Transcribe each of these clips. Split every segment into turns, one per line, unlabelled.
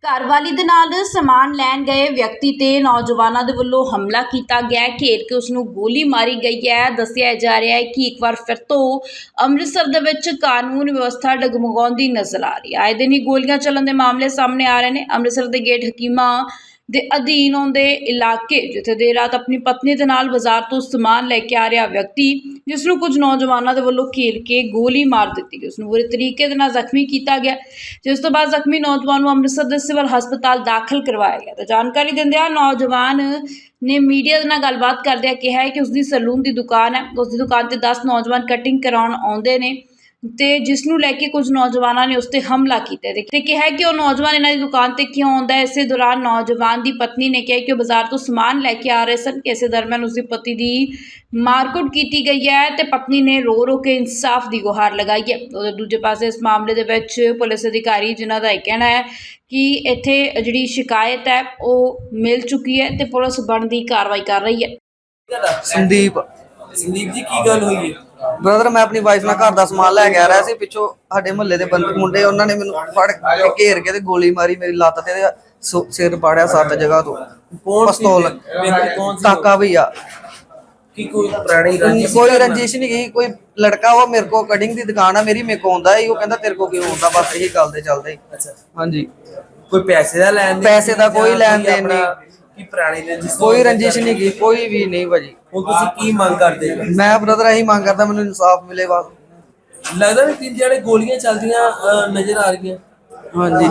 ਘਰਵਾਲੀ ਦੇ ਨਾਲ ਸਮਾਨ ਲੈਣ ਗਏ ਵਿਅਕਤੀ ਤੇ ਨੌਜਵਾਨਾਂ ਦੇ ਵੱਲੋਂ ਹਮਲਾ ਕੀਤਾ ਗਿਆ ਹੈ। ਘੇਰ ਕੇ ਉਸ ਨੂੰ ਗੋਲੀ ਮਾਰੀ ਗਈ ਹੈ। ਦੱਸਿਆ ਜਾ ਰਿਹਾ ਹੈ ਕਿ ਇੱਕ ਵਾਰ ਫਿਰ ਤੋਂ ਅੰਮ੍ਰਿਤਸਰ ਦੇ ਵਿੱਚ ਕਾਨੂੰਨ ਵਿਵਸਥਾ ਡਗਮਗਾਉਂਦੀ ਨਜ਼ਰ ਆ ਰਹੀ ਹੈ। ਆਏ ਦਿਨ ਹੀ ਗੋਲੀਆਂ ਚੱਲਣ ਦੇ ਮਾਮਲੇ ਸਾਹਮਣੇ ਆ ਰਹੇ ਨੇ। ਅੰਮ੍ਰਿਤਸਰ ਦੇ ਗੇਟ ਹਕੀਮਾਂ ਦੇ ਅਧੀਨ ਆਉਂਦੇ ਇਲਾਕੇ ਜਿੱਥੇ ਦੇਰ ਰਾਤ ਆਪਣੀ ਪਤਨੀ ਦੇ ਨਾਲ ਬਾਜ਼ਾਰ ਤੋਂ ਸਮਾਨ ਲੈ ਕੇ ਆ ਰਿਹਾ ਵਿਅਕਤੀ ਜਿਸ ਨੂੰ ਕੁਝ ਨੌਜਵਾਨਾਂ ਦੇ ਵੱਲੋਂ ਘੇਰ ਕੇ ਗੋਲੀ ਮਾਰ ਦਿੱਤੀ ਗਈ। ਉਸ ਨੂੰ ਬੁਰੇ ਤਰੀਕੇ ਦੇ ਨਾਲ ਜ਼ਖਮੀ ਕੀਤਾ ਗਿਆ, ਜਿਸ ਤੋਂ ਬਾਅਦ ਜ਼ਖਮੀ ਨੌਜਵਾਨ ਨੂੰ ਅੰਮ੍ਰਿਤਸਰ ਦੇ ਸਿਵਲ ਹਸਪਤਾਲ ਦਾਖਲ ਕਰਵਾਇਆ ਗਿਆ। ਤਾਂ ਜਾਣਕਾਰੀ ਦਿੰਦਿਆਂ ਨੌਜਵਾਨ ਨੇ ਮੀਡੀਆ ਦੇ ਨਾਲ ਗੱਲਬਾਤ ਕਰਦਿਆਂ ਕਿਹਾ ਹੈ ਕਿ ਉਸ ਦੀ ਸੈਲੂਨ ਦੀ ਦੁਕਾਨ ਹੈ। ਉਸ ਦੀ ਦੁਕਾਨ ਤੇ 10 ਨੌਜਵਾਨ ਕਟਿੰਗ ਕਰਾਉਣ ਆਉਂਦੇ ਨੇ ਤੇ ਜਿਸ ਨੂੰ ਲੈ ਕੇ ਕੁਝ ਨੌਜਵਾਨਾਂ ਨੇ ਉਸ ਤੇ ਹਮਲਾ ਕੀਤਾ ਤੇ ਕਿਹਾ ਕਿ ਉਹ ਨੌਜਵਾਨ ਇਹਨਾਂ ਦੀ ਦੁਕਾਨ ਤੇ ਕਿਉਂ ਆਉਂਦਾ ਹੈ। ਇਸੇ ਦੌਰਾਨ ਨੌਜਵਾਨ ਦੀ ਪਤਨੀ ਨੇ ਕਿਹਾ ਕਿ ਉਹ ਬਾਜ਼ਾਰ ਤੋਂ ਸਮਾਨ ਲੈ ਕੇ ਆ ਰਹੇ ਸਨ। ਇਸੇ ਦਰਮਿਆਨ ਉਸ ਦੀ ਪਤੀ ਦੀ ਮਾਰਕੁੱਟ ਕੀਤੀ ਗਈ ਹੈ ਤੇ ਪਤਨੀ ਨੇ ਰੋ ਰੋ ਕੇ ਇਨਸਾਫ ਦੀ ਗੁਹਾਰ ਲਗਾਈ ਹੈ। ਉਹਦੇ ਦੂਜੇ ਪਾਸੇ ਇਸ ਮਾਮਲੇ ਦੇ ਵਿੱਚ ਪੁਲਿਸ ਅਧਿਕਾਰੀ ਜਿਨ੍ਹਾਂ ਦਾ ਇਹ ਕਹਿਣਾ ਹੈ ਕਿ ਇੱਥੇ ਜਿਹੜੀ ਸ਼ਿਕਾਇਤ ਹੈ ਉਹ ਮਿਲ ਚੁੱਕੀ ਹੈ ਤੇ ਪੁਲਿਸ ਬਣਦੀ ਕਾਰਵਾਈ ਕਰ ਰਹੀ ਹੈ।
ਸੰਦੀਪ
ਸੰਦੀਪ ਜੀ ਕੀ ਗੱਲ ਹੋਈ ਹੈ?
ਬ੍ਰਦਰ ਮੈਂ ਆਪਣੀ ਵਾਈਫ ਨਾਲ ਘਰ ਦਾ ਸਮਾਨ ਲੈ ਕੇ ਆ ਰਿਹਾ ਸੀ। ਪਿੱਛੋਂ ਸਾਡੇ ਮੁਹੱਲੇ ਦੇ ਮੁੰਡੇ ਉਹਨਾਂ ਨੇ ਮੈਨੂੰ ਫੜ ਕੇ ਘੇਰ ਕੇ ਤੇ ਗੋਲੀ ਮਾਰੀ ਮੇਰੀ ਲੱਤ ਤੇ ਸਿਰ ਪਾੜਿਆ 7 ਜਗ੍ਹਾ ਤੋਂ।
ਕੌਣ
ਪਿਸਤੌਲ
ਕੌਣ ਸੀ?
ਤਾਕਾ ਭਈਆ।
ਕੀ ਕੋਈ ਪੁਰਾਣੀ ਰੰਜਿਸ਼?
ਕੋਈ ਰੰਜਿਸ਼ ਨਹੀਂ ਗਈ। ਕੋਈ ਲੜਕਾ ਉਹ ਮੇਰੇ ਕੋ ਕਟਿੰਗ ਦੀ ਦੁਕਾਨ ਆ ਮੇਰੀ, ਮੇਰੇ ਕੋ ਆਉਂਦਾ ਹੀ ਉਹ ਕਹਿੰਦਾ ਤੇਰੇ ਕੋ ਕਿਉਂ ਆਉਂਦਾ, ਬਸ ਇਹੀ ਗੱਲ ਤੇ ਚੱਲਦੇ।
ਅੱਛਾ,
ਹਾਂਜੀ
ਕੋਈ ਪੈਸੇ ਦਾ ਲੈਣ ਦੇਣ?
ਪੈਸੇ ਦਾ ਕੋਈ ਲੈਣ ਦੇਣ ਨਹੀਂ।
ਕੀ ਪੁਰਾਣੀ ਰੰਜਿਸ਼?
ਕੋਈ ਰੰਜਿਸ਼ ਨਹੀਂ ਗਈ, ਕੋਈ ਵੀ ਨਹੀਂ ਭਾਜੀ।
ਹੁਣ ਤੁਸੀਂ ਕੀ ਮੰਗ ਕਰਦੇ ਹੋ?
ਮੈਂ ਬ੍ਰਦਰ ਇਹੀ ਮੰਗ ਕਰਦਾ ਮੈਨੂੰ ਇਨਸਾਫ ਮਿਲੇ ਬਸ।
ਲੱਗਦਾ ਵੀ 3 ਜਿਹੜੇ ਗੋਲੀਆਂ ਚੱਲਦੀਆਂ ਨਜ਼ਰ ਆ ਰਹੀਆਂ।
ਹਾਂਜੀ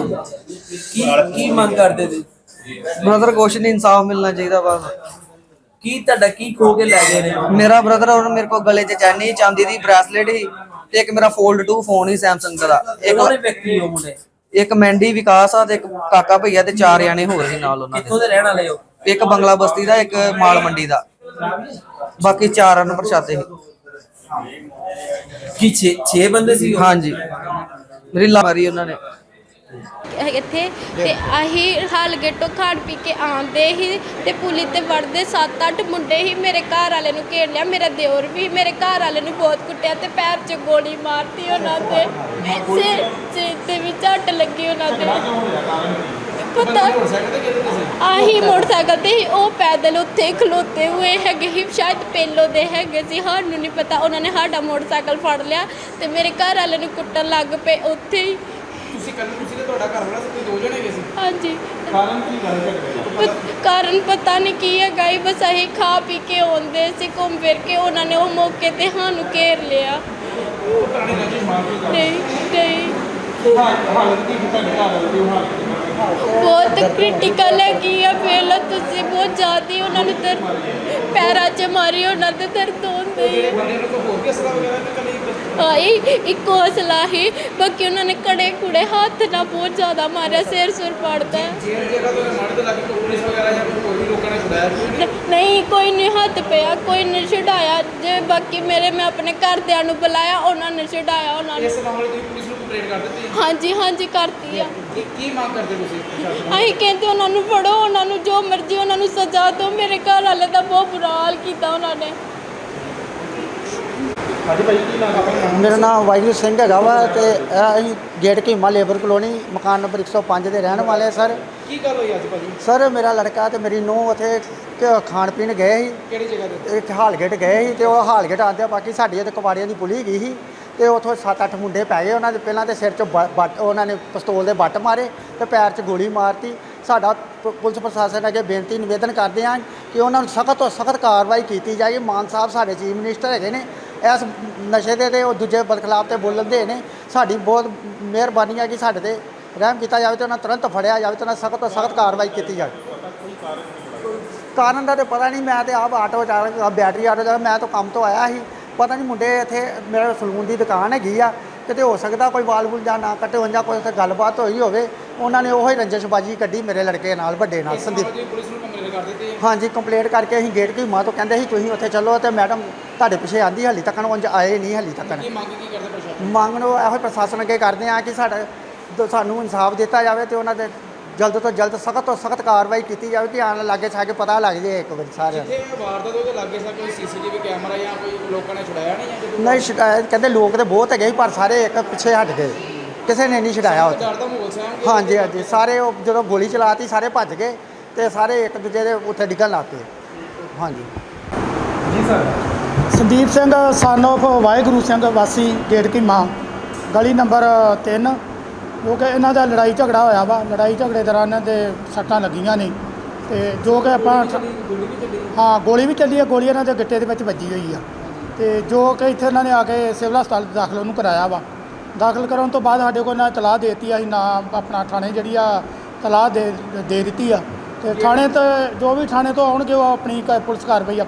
ਕੀ ਮੰਗ ਕਰਦੇ ਤੁਸੀਂ?
ਬ੍ਰਦਰ ਕੁਛ ਨਹੀਂ, ਇਨਸਾਫ ਮਿਲਣਾ ਚਾਹੀਦਾ ਬਸ।
ਕੀ ਤੁਹਾਡਾ ਕੀ ਖੋ ਕੇ ਲੈ ਗਏ ਨੇ?
ਮੇਰਾ ਬ੍ਰਦਰ ਉਹ ਮੇਰੇ ਕੋਲ ਗਲੇ 'ਚ ਚੈਨੀ ਚਾਂਦੀ ਦੀ ਬ੍ਰੈਸਲੇਟ ਸੀ ਤੇ ਇੱਕ ਮੇਰਾ ਫੋਲਡ 2 ਫੋਨ ਸੀ ਸੈਮਸੰਗ ਦਾ।
ਉਹਨੇ ਵਿਅਕਤੀ ਹੋ ਮੁੰਡੇ?
ਇੱਕ ਮੈਂਡੀ ਵਿਕਾਸ ਆ ਤੇ ਇੱਕ ਕਾਕਾ ਭਈਆ ਤੇ 4 ਜਾਣੇ ਹੋਰ ਸੀ ਨਾਲ ਉਹਨਾਂ
ਕਿੱਥੋਂ
ਦੇ।
ਦੇ ਰਹਿਣ ਵਾਲੇ ਹੋ?
ਇੱਕ ਬੰਗਲਾ ਬਸਤੀ ਦਾ, ਇੱਕ ਮਾਲ ਮੰਡੀ ਦਾ, ਬਾਕੀ 4 ਅਨਪਛਾਤੇ ਸੀ।
ਕੀ 6 ਬੰਦੇ ਸੀ?
ਹਾਂਜੀ ਮੇਰੀ ਲਾ ਮਾਰੀ ਉਹਨਾਂ ਨੇ।
ਇੱਥੇ ਤੇ ਆਹੀ ਹਾਲ ਗੇਟੋਂ ਖਾਣ ਪੀ ਕੇ ਆਉਂਦੇ ਹੀ ਤੇ ਪੁਲਿਸ ਤੇ ਵੜਦੇ 7-8 ਮੁੰਡੇ ਹੀ ਮੇਰੇ ਘਰ ਵਾਲੇ ਨੂੰ ਘੇਰ ਲਿਆ। ਮੇਰਾ ਦਿਓਰ ਵੀ ਮੇਰੇ ਘਰ ਵਾਲੇ ਨੂੰ ਬਹੁਤ ਕੁੱਟਿਆ ਤੇ ਪੈਰ 'ਚ ਗੋਲੀ ਮਾਰਤੀ ਉਹਨਾਂ ਦੇ, ਸਿਰ ਤੇ ਵੀ ਝੱਟ ਲੱਗੀ ਉਹਨਾਂ ਦੇ। ਪਤਾ ਆਹੀ ਮੋਟਰਸਾਈਕਲ ਤੇ ਹੀ ਉਹ ਪੈਦਲ ਉੱਥੇ ਖਲੋਤੇ ਹੋਏ ਹੈਗੇ ਹੀ, ਸ਼ਾਇਦ ਪਹਿਲੋਂ ਦੇ ਹੈਗੇ ਸੀ, ਸਾਨੂੰ ਨਹੀਂ ਪਤਾ। ਉਹਨਾਂ ਨੇ ਸਾਡਾ ਮੋਟਰਸਾਈਕਲ ਫੜ ਲਿਆ ਤੇ ਮੇਰੇ ਘਰ ਵਾਲੇ ਨੂੰ ਕੁੱਟਣ ਲੱਗ ਪਏ ਉੱਥੇ ਹੀ।
ਤੁਸੀਂ ਤੇ ਤੁਹਾਡਾ ਘਰ ਵਾਲਾ ਸੀ, 2 ਜਣੇ ਗਏ ਸੀ?
ਹਾਂਜੀ।
ਕਾਰਨ ਕੀ ਗੱਲ ਝਗੜੇ ਦਾ?
ਕਾਰਨ ਪਤਾ ਨਹੀਂ ਕੀ ਹੈਗਾ ਹੀ, ਬਸ ਅਸੀਂ ਖਾ ਪੀ ਕੇ ਆਉਂਦੇ ਸੀ ਘੁੰਮ ਫਿਰ ਕੇ, ਉਹਨਾਂ ਨੇ ਉਹ ਮੌਕੇ ਤੇ ਸਾਨੂੰ ਘੇਰ ਲਿਆ।
ਪੁਰਾਣੀ ਰੰਜਿਸ਼ ਮਾਰ ਕੇ
ਨਹੀਂ
ਹਾਲਤ ਕੀ ਤੁਹਾਡੇ ਘਰ ਵਾਲੇ ਦੀ ਹਾਲਤ?
ਬਹੁਤ ਕ੍ਰਿਟੀਕਲ ਹੈਗੀ ਆ। ਪਹਿਲਾਂ ਤੁਸੀਂ ਬਹੁਤ ਜ਼ਿਆਦਾ ਉਹਨਾਂ ਨੂੰ ਪੈਰਾਂ 'ਚ ਮਾਰੀ, ਉਹਨਾਂ ਦੇ ਦਰਦ ਹੁੰਦੇ ਹੀ।
ਬੰਦੇ ਨੂੰ ਕੋਈ ਹੋਰ ਵੀ ਅਸਲਾ ਵਗੈਰਾ ਨਹੀਂ ਕਲੀ?
ਆਈ ਇੱਕੋ ਹੌਸਲਾ ਹੀ, ਬਾਕੀ ਉਹਨਾਂ ਨੇ ਕੜੇ ਕੁੜੇ ਹੱਥ ਨਾਲ ਬਹੁਤ ਜ਼ਿਆਦਾ ਮਾਰਿਆ, ਸਿਰ ਸੁਰ ਪੜਦਾ।
ਜੇਲ੍ਹ ਜਗ੍ਹਾ ਤੋਂ ਮਾੜੇ ਤੋਂ ਲੱਗੇ ਕੋਈ ਪੁਲਿਸ ਵਗੈਰਾ ਜਾਂ ਕੋਈ ਵੀ ਲੋਕਾਂ ਨੇ ਛੁਡਾਇਆ?
ਨਹੀਂ ਕੋਈ ਨਹੀਂ ਹੱਥ ਪਿਆ, ਕੋਈ ਨਹੀਂ ਛਡਾਇਆ ਜੇ। ਬਾਕੀ ਮੈਂ ਆਪਣੇ ਘਰਦਿਆਂ ਨੂੰ ਬੁਲਾਇਆ, ਉਹਨਾਂ ਨੇ ਛਡਾਇਆ ਉਹਨਾਂ ਨੂੰ।
ਇਸ ਮਾਮਲੇ ਤੁਸੀਂ ਪੁਲਿਸ ਨੂੰ ਕੰਪਲੇਂਟ ਕਰ ਦਿੱਤੀ?
ਹਾਂਜੀ ਕਰਤੀ ਆ।
ਕੀ ਮੰਗ ਕਰਦੇ ਤੁਸੀਂ ਪ੍ਰਸ਼ਾਸਨ?
ਅਸੀਂ ਕਹਿੰਦੇ ਉਹਨਾਂ ਨੂੰ ਫੜੋ, ਉਹਨਾਂ ਨੂੰ ਜੋ ਮਰਜ਼ੀ ਉਹਨਾਂ ਨੂੰ ਸਜ਼ਾ ਦਿਓ। ਮੇਰੇ ਘਰ ਵਾਲੇ ਦਾ ਬਹੁਤ ਬੁਰਾ ਹਾਲ ਕੀਤਾ ਉਹਨਾਂ ਨੇ।
ਹਾਂਜੀ ਭਾਈ ਕੀ ਨਾਮ ਆਪਣਾ?
ਮੇਰਾ ਨਾਮ ਵਾਹਿਗੁਰੂ ਸਿੰਘ ਹੈਗਾ ਵਾ ਤੇ ਇਹ ਅਸੀਂ ਗੇਟ ਕੀਮਾ ਲੇਬਰ ਕਲੋਨੀ ਮਕਾਨ ਨੰਬਰ 105 ਦੇ ਰਹਿਣ ਵਾਲੇ। ਸਰ
ਕੀ ਗੱਲ ਹੋਈ ਅੱਜ ਭਾਜੀ?
ਸਰ ਮੇਰਾ ਲੜਕਾ ਤੇ ਮੇਰੀ ਨੂੰਹ ਉੱਥੇ ਖਾਣ ਪੀਣ ਗਏ ਸੀ,
ਕਿਹੜੀ ਜਗ੍ਹਾ ਤੇ?
ਇੱਕ ਹਾਲਗੇਟ ਗਏ ਸੀ ਤੇ ਉਹ ਹਾਲਗੇਟ ਆਉਂਦੇ ਬਾਕੀ ਸਾਡੀ ਉਹਦੇ ਕੁਵਾੜੀਆਂ ਦੀ ਪੁਲੀ ਗਈ ਸੀ ਤੇ ਉੱਥੋਂ 7-8 ਮੁੰਡੇ ਪੈ ਗਏ। ਉਹਨਾਂ ਦੇ ਪਹਿਲਾਂ ਤੇ ਸਿਰ 'ਚ ਬੱਟ ਉਹਨਾਂ ਨੇ ਪਿਸਤੌਲ ਦੇ ਬੱਟ ਮਾਰੇ ਤੇ ਪੈਰ 'ਚ ਗੋਲੀ ਮਾਰਤੀ। ਸਾਡਾ ਪੁਲਿਸ ਪ੍ਰਸ਼ਾਸਨ ਅੱਗੇ ਬੇਨਤੀ ਨਿਵੇਦਨ ਕਰਦੇ ਹਾਂ ਕਿ ਉਹਨਾਂ ਨੂੰ ਸਖਤ ਤੋਂ ਸਖਤ ਕਾਰਵਾਈ ਕੀਤੀ ਜਾਏ। ਮਾਨ ਸਾਹਿਬ ਸਾਡੇ ਚੀਫ ਮਿਨਿਸਟਰ ਹੈਗੇ ਨੇ, ਇਸ ਨਸ਼ੇ ਦੇ ਤੇ ਉਹ ਦੂਜੇ ਬਦਖਲਾਫ ਤੇ ਬੋਲਣ ਦੇ ਨੇ। ਸਾਡੀ ਬਹੁਤ ਮਿਹਰਬਾਨੀ ਹੈ ਕਿ ਸਾਡੇ ਤੇ ਰਹਿਮ ਕੀਤਾ ਜਾਵੇ ਤੇ ਉਹਨਾਂ ਤੁਰੰਤ ਫੜਿਆ ਜਾਵੇ ਤੇ ਉਹਨਾਂ ਸਖਤ ਤੋਂ ਸਖਤ ਕਾਰਵਾਈ ਕੀਤੀ ਜਾਵੇ। ਕਾਰਨ ਦਾ ਤਾਂ ਪਤਾ ਨਹੀਂ, ਮੈਂ ਤੇ ਆਪ ਆਟੋ ਚਾਲਕ, ਬੈਟਰੀ ਆਟੋ ਚਾਲਕ, ਮੈਂ ਤਾਂ ਕੰਮ ਤੋਂ ਆਇਆ ਸੀ। ਪਤਾ ਨਹੀਂ ਮੁੰਡੇ ਇੱਥੇ ਮੇਰੇ ਸਲੂਨ ਦੀ ਦੁਕਾਨ ਹੈਗੀ ਆ, ਕਿਤੇ ਹੋ ਸਕਦਾ ਕੋਈ ਵਾਲ ਵੂਲ ਜਾਂ ਨਾ ਕੱਟੇ ਹੋਣ ਜਾਂ ਕੋਈ ਉੱਥੇ ਗੱਲਬਾਤ ਹੋਈ ਹੋਵੇ। ਉਹਨਾਂ ਨੇ ਉਹੀ ਰੰਜਿਸ਼ਬਾਜੀ ਕੱਢੀ ਮੇਰੇ ਲੜਕੇ ਨਾਲ, ਵੱਡੇ ਨਾਲ, ਸੰਦੀਪ।
ਪੁਲਿਸ ਨੂੰ ਕੰਪਲੇਂਟ ਕਰ ਦਿੱਤੀ?
ਹਾਂਜੀ ਕੰਪਲੇਂਟ ਕਰਕੇ ਅਸੀਂ ਗੇਟ ਕੀ ਮਾਂ ਤੋਂ ਕਹਿੰਦੇ ਸੀ ਤੁਸੀਂ ਉੱਥੇ ਚੱਲੋ ਤੇ ਮੈਡਮ ਤੁਹਾਡੇ ਪਿੱਛੇ ਆਂਦੀ, ਹਾਲੀ ਤੱਕ ਉਂਝ ਆਏ ਨਹੀਂ। ਹਾਲੀ ਤੱਕ
ਕੀ ਮੰਗ ਕੀ ਕਰਦੇ ਪ੍ਰਸ਼ਾਸਨ?
ਮੰਗ ਨੂੰ ਇਹੋ ਪ੍ਰਸ਼ਾਸਨ ਅੱਗੇ ਕਰਦੇ ਆ ਕਿ ਸਾਨੂੰ ਇਨਸਾਫ ਦਿੱਤਾ ਜਾਵੇ ਤੇ ਉਹਨਾਂ ਦੇ ਜਲਦ ਤੋਂ ਜਲਦ ਸਖਤ ਤੋਂ ਸਖਤ ਕਾਰਵਾਈ ਕੀਤੀ ਜਾਵੇ ਕਿ ਆਣ ਲਾਗੇ ਛਾ ਪਤਾ ਲੱਗ ਜਾਏ ਇੱਕ ਵਾਰੀ ਸਾਰਿਆਂ ਨੂੰ।
ਜਿੱਥੇ ਵਾਰਦਾਤ ਉਹਦੇ ਲਾਗੇ ਸਾ ਕੋਈ ਸੀਸੀਟੀਵੀ ਕੈਮਰਾ ਜਾਂ ਕੋਈ ਲੋਕਾਂ ਨੇ ਛੁਡਾਇਆ ਨਹੀਂ?
ਨਹੀਂ ਸ਼ਿਕਾਇਤ ਕਹਿੰਦੇ ਲੋਕ ਤੇ ਬਹੁਤ ਹੈਗੇ ਸੀ ਪਰ ਸਾਰੇ ਇੱਕ ਪਿੱਛੇ ਹਟ ਗਏ। ਕਿਸੇ ਨੇ ਨਹੀਂ ਛਡਾਇਆ ਉੱਥੇ।
ਡਰ ਦਾ ਮਾਹੌਲ ਸੀ ਆਮ
ਹਾਂਜੀ ਹਾਂਜੀ, ਸਾਰੇ ਉਹ ਜਦੋਂ ਗੋਲੀ ਚਲਾਤੀ ਸਾਰੇ ਭੱਜ ਗਏ ਤੇ ਸਾਰੇ ਇੱਕ ਦੂਜੇ ਦੇ ਉੱਥੇ ਡਿੱਗਣ ਲੱਗ ਪਏ। ਹਾਂਜੀ
ਜੀ sir
Sandeep Singh son of Waheguru Singh ਵਾਸੀ ਗੇਟ ਕੀਮਾ ਗਲੀ ਨੰਬਰ 3 ਜੋ ਕਿ ਇਹਨਾਂ ਦਾ ਲੜਾਈ ਝਗੜਾ ਹੋਇਆ ਵਾ। ਲੜਾਈ ਝਗੜੇ ਦੌਰਾਨ ਇਹਨਾਂ ਦੇ ਸੱਟਾਂ ਲੱਗੀਆਂ ਨੇ ਤੇ ਜੋ ਕਿ ਆਪਾਂ
ਗੋਲੀ ਵੀ ਚੱਲੀ
ਹਾਂ ਗੋਲੀ ਵੀ ਚੱਲੀ ਹੈ। ਗੋਲੀ ਇਹਨਾਂ ਦੇ ਗਿੱਟੇ ਦੇ ਵਿੱਚ ਵੱਜੀ ਹੋਈ ਆ ਤੇ ਜੋ ਕਿ ਇੱਥੇ ਇਹਨਾਂ ਨੇ ਆ ਕੇ ਸਿਵਲ ਹਸਪਤਾਲ ਦਾਖਲ ਉਹਨੂੰ ਕਰਾਇਆ ਵਾ। ਦਾਖਲ ਕਰਾਉਣ ਤੋਂ ਬਾਅਦ ਸਾਡੇ ਕੋਲ ਨਾ ਤਲਾਹ ਦੇ ਦਿੱਤੀ, ਅਸੀਂ ਨਾ ਆਪਣਾ ਥਾਣੇ ਜਿਹੜੀ ਆ ਤਲਾਹ ਦੇ ਦਿੱਤੀ ਆ ਤੇ ਥਾਣੇ ਤੋਂ ਜੋ ਵੀ ਥਾਣੇ ਤੋਂ ਆਉਣਗੇ ਉਹ ਆਪਣੀ ਪੁਲਿਸ ਕਾਰਵਾਈ